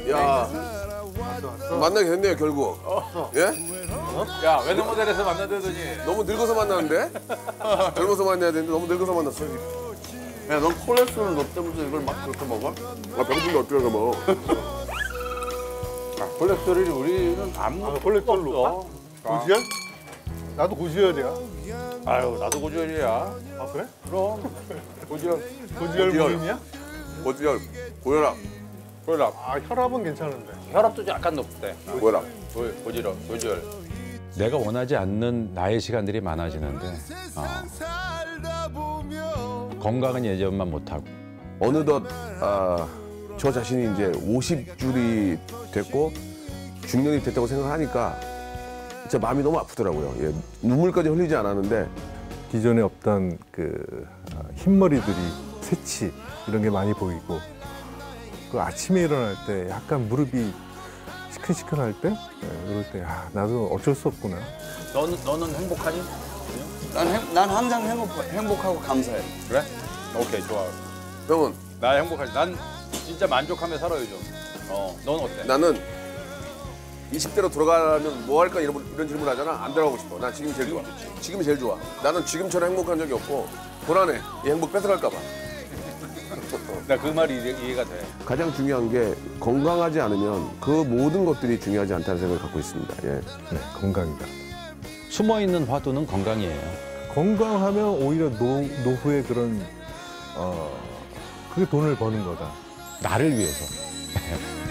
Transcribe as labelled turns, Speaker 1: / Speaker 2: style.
Speaker 1: 야, 만나게 됐네요 결국. 예?
Speaker 2: 야, 외노모델에서 만나더니
Speaker 1: 너무 늙어서 만나는데? 젊어서 만나야 되는데 너무 늙어서 만났어.
Speaker 3: 야, 넌 콜레스테롤 너 때문에 이걸 막 그렇게 먹어?
Speaker 1: 아 병신도 어떻게 해서 먹어?
Speaker 2: 콜레스테롤이 우리는 아무
Speaker 4: 콜레스테롤
Speaker 2: 없어.
Speaker 4: 고지혈? 나도 고지혈이야.
Speaker 2: 아유, 나도 고지혈이야.
Speaker 4: 아 그래?
Speaker 2: 그럼 고지혈.
Speaker 4: 고지혈 무림이야?
Speaker 1: 고지혈, 고혈압,
Speaker 2: 고혈압.
Speaker 4: 아 혈압은 괜찮은데.
Speaker 2: 혈압도 약간 높대.
Speaker 1: 고혈압.
Speaker 2: 고지혈.
Speaker 5: 내가 원하지 않는 나의 시간들이 많아지는데 건강은 예전만 못하고
Speaker 1: 어느덧 저 자신이 이제 50줄이 됐고 중년이 됐다고 생각하니까 진짜 마음이 너무 아프더라고요. 예, 눈물까지 흘리지 않았는데
Speaker 4: 기존에 없던 그 흰머리들이 새치 이런 게 많이 보이고 그 아침에 일어날 때 약간 무릎이 시큰시큰할 때 그럴 때 나도 어쩔 수 없구나.
Speaker 2: 너는 행복하니?
Speaker 3: 난 항상 행복하고 감사해.
Speaker 2: 그래? 오케이, 좋아.
Speaker 1: 형은
Speaker 2: 나 행복하지. 난 진짜 만족하며 살아요, 좀. 넌 어때?
Speaker 1: 나는 20대로 돌아가면 뭐 할까 이런 질문 하잖아. 안 들어가고 싶어. 난 지금이 제일 좋아. 지금이 제일 좋아. 나는 지금처럼 행복한 적이 없고 불안해. 이 행복 뺏어갈까 봐.
Speaker 2: 나 그 말이 이해가 돼.
Speaker 1: 가장 중요한 게 건강하지 않으면 그 모든 것들이 중요하지 않다는 생각을 갖고 있습니다. 예.
Speaker 4: 네, 건강이다.
Speaker 5: 숨어있는 화두는 건강이에요.
Speaker 4: 건강하면 오히려 노후에 그런 그게 돈을 버는 거다.
Speaker 5: 나를 위해서.